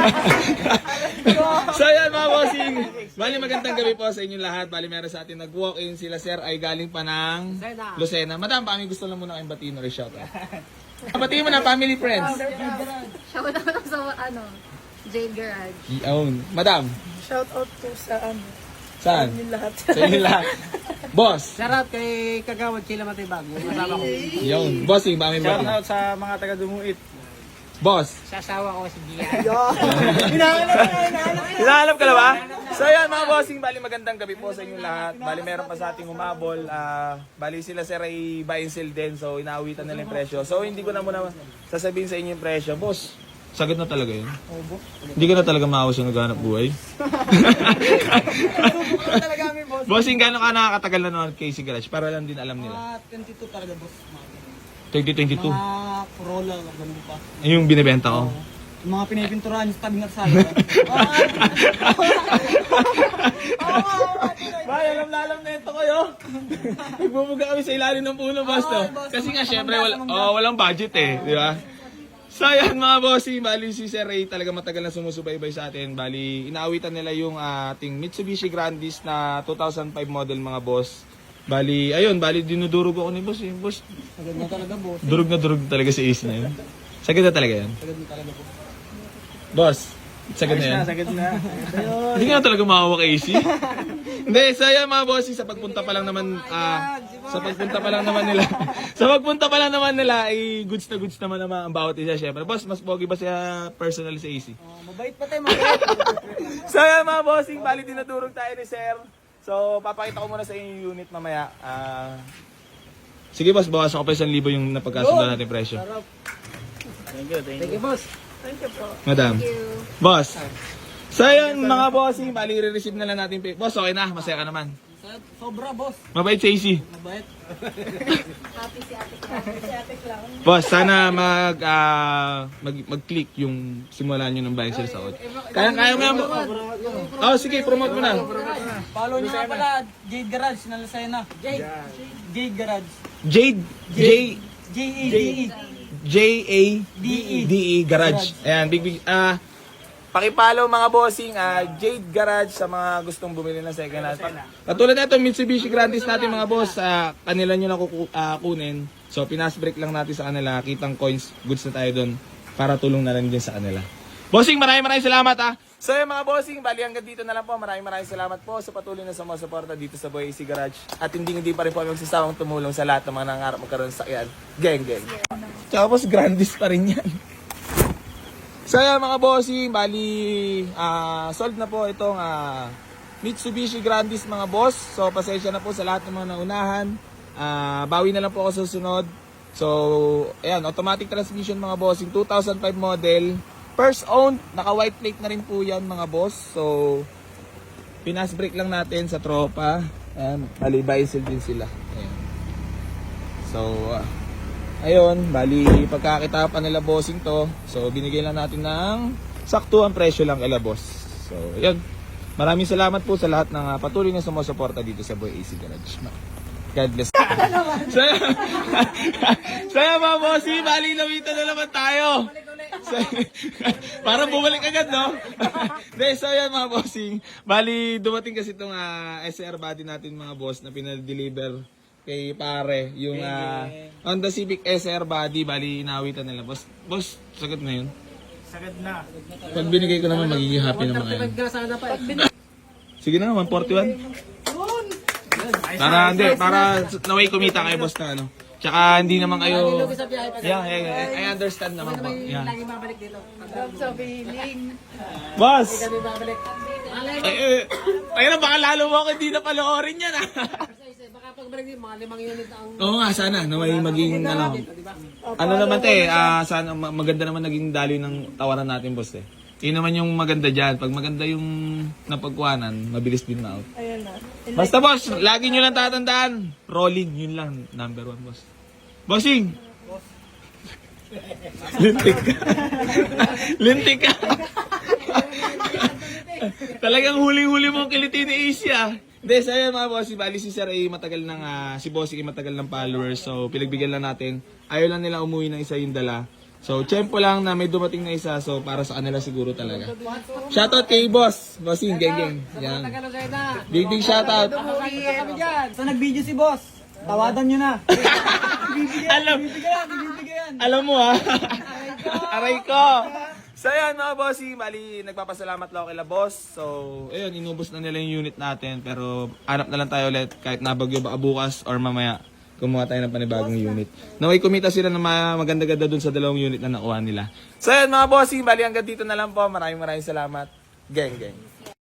So yan mga bossing, bali magandang gabi po sa inyong lahat. Bali meron sa atin nag-walk-in, sila sir ay galing pa ng Lucena. Madam, kami gusto lang muna kayong batiin or shout out. Batiin mo na family friends. Shout out sa Jade Garage. Yun. Madam, Shout out to sa saan? yung lahat. Sa inyo lahat. Boss. Shoutout kay Kagawad Chila Matibag, yung kasama ko. Yun. Bossing, kami batiin. Shoutout sa mga taga Dumuit. Boss. Sa asawa ko si Gia. Hinahanap ka na ba? So yan mga bossing, bali magandang gabi po sa inyong lahat. Bali meron pa sa ating humabol. Bali sila sir ay buy and sell din. So inaawitan nila yung presyo. So hindi ko na muna sasabihin sa inyo yung presyo. Boss, sagad na talaga yun. Hindi ka na talaga maawas yung naghanap buhay. Bossing, gano'n ka nakakatagal na naman kay Garage? Para lang din alam nila. 22 talaga, boss. 2022. Mga Corolla, ganun pa. Yung binibenta ko. Yung mga pinipinturahan yung tabing nagsala. Bay, alam na ito kayo. Nagbubuga kami sa ilalim ng puno, boss, to. Kasi nga, syempre, walang budget eh. Di ba? So, yan mga bossy. Bali, si Sir Ray talaga matagal na sumusubaybay sa atin. Bali, inaawitan nila yung ating Mitsubishi Grandis na 2005 model, mga boss. Bali, ayun, dinudurog ako ni boss. Boss, Sagad na talaga, boss. durog na durog talaga si Ace na yun. Sagad na talaga yan. Sagad na talaga, boss. Boss, sagad na yan. Sagad na. Hindi nga talaga makawa kay AC. Hindi, so yan mga bossy, sa pagpunta pa lang naman, sa pagpunta pa lang naman nila, ay goods na goods naman ang bawat isa, syempre. Boss, mas pogi ba siya personal sa AC? Mabait pa tayo, mabait. So yan mga bossing, bali dinadurog tayo ni Sir. So, papakita ko muna sa inyo yung unit mamaya. Sige boss, bawasan ko pa 1,000 yung napagkasundan natin presyo. Thank you, boss. Thank you po. Madam. Thank you. Boss. So yun mga bossing, bali re-receive na lang natin. Boss, okay na, masaya ka naman. Sobra, boss. Mabait sa AC. Mabait. Happy si Ate Clara. Boss, sana mag-click yung simulan nyo ng buying sales out. Kaya mo yan. Oh, sige, promote mo na. Follow niyo nga pala, Jade Garage, na Lucena. Jade Garage. Jade, J-A-D-E. J-A-D-E Garage. Ayan, big. Pakipollow mga bossing, Jade Garage sa mga gustong bumili ng second hand. Katulad nito, Mitsubishi Grandis natin mga boss, kanila nyo na kukunin. So, pinas-break lang natin sa kanila. Kitang coins, goods na tayo doon para tulong na lang din sa kanila. Bossing, maraming salamat So yung mga bossing, bali hanggang dito na lang po. Maraming salamat po sa patuloy na sumusuporta dito sa Boy AC Garage. At hindi pa rin po kami magsasawang tumulong sa lahat ng mga nangarap magkaroon sa sakyan. Geng. Tsaka boss, Grandis pa rin yan. So yan mga bossing, bali sold na po itong Mitsubishi Grandis mga boss. So pasensya na po sa lahat ng mga naunahan. Bawi na lang po ako sa susunod. So ayan, automatic transmission mga bossing, 2005 model. First owned, naka white plate na rin po yan mga boss. So pinas break lang natin sa tropa. Ayan, bali bicycle din sila. Ayan. So ayun, bali pagkakita pa nila bossing to. So binigay lang natin ng saktuang presyo lang kay boss. So ayun. Maraming salamat po sa lahat ng patuloy na sumusuporta dito sa Boy AC Garage. God bless. So yan mga bossing, bali nawitan na naman tayo. So, parang bumalik agad, no? So yan mga bossing, bali dumating kasi itong SR body natin mga boss na pinadeliver kay pare, yung Honda Civic SR body, bali inawitan nila. Boss, sagot na yun. Sagad na. Pag binigay ko naman, magiging happy naman kayo. Sana pa. Sige na, 141. Para naway kumita kayo boss na ano. Tsaka hindi naman kayo. Yeah, I understand naman po. Yeah. Lagi babalik dito. Sa feeling. Boss! Kami babalik. Ayun, baka lalo mo ako hindi na paloorin yan Baka pagbalik dito, mga 5 unit ang... Oo nga, sana. Naway maging ano. Ano naman sana maganda naman naging daloy ng tawaran natin boss eh. Yun naman yung maganda dyan. Pag maganda yung napagkuhanan, mabilis din na out. Ayan na. Basta boss, lagi nyo lang tatandaan. Rolling, yun lang. Number 1 boss. Bossing! Lintik ka. Lintik ka. Talagang huling-huli mong kiliti ni Asia. Hindi, saya mga boss, bali si Sir ay matagal ng, si Bossing ay matagal ng followers. So, pinagbigyan lang natin. Ayaw lang nila umuwi ng isa yung dala. So, tiyempo lang na may dumating na isa. So, para sa kanila siguro talaga. Shoutout kay Boss. Bossing, geng. Yan. Big shoutout. Sa nag-video si boss, tawadan nyo na. Alam mo ha. Aray ko. So yan mga bossy, mali nagpapasalamat lang ako kila boss. So ayun, inubos na nila yung unit natin. Pero hanap na lang tayo ulit kahit nabagyo baka bukas or mamaya kumuha tayo ng panibagong unit. Naway kumita sila ng maganda-ganda dun sa dalawang unit na nakuha nila. So yan mga bossy, mali hanggang dito na lang po. Maraming salamat. Geng.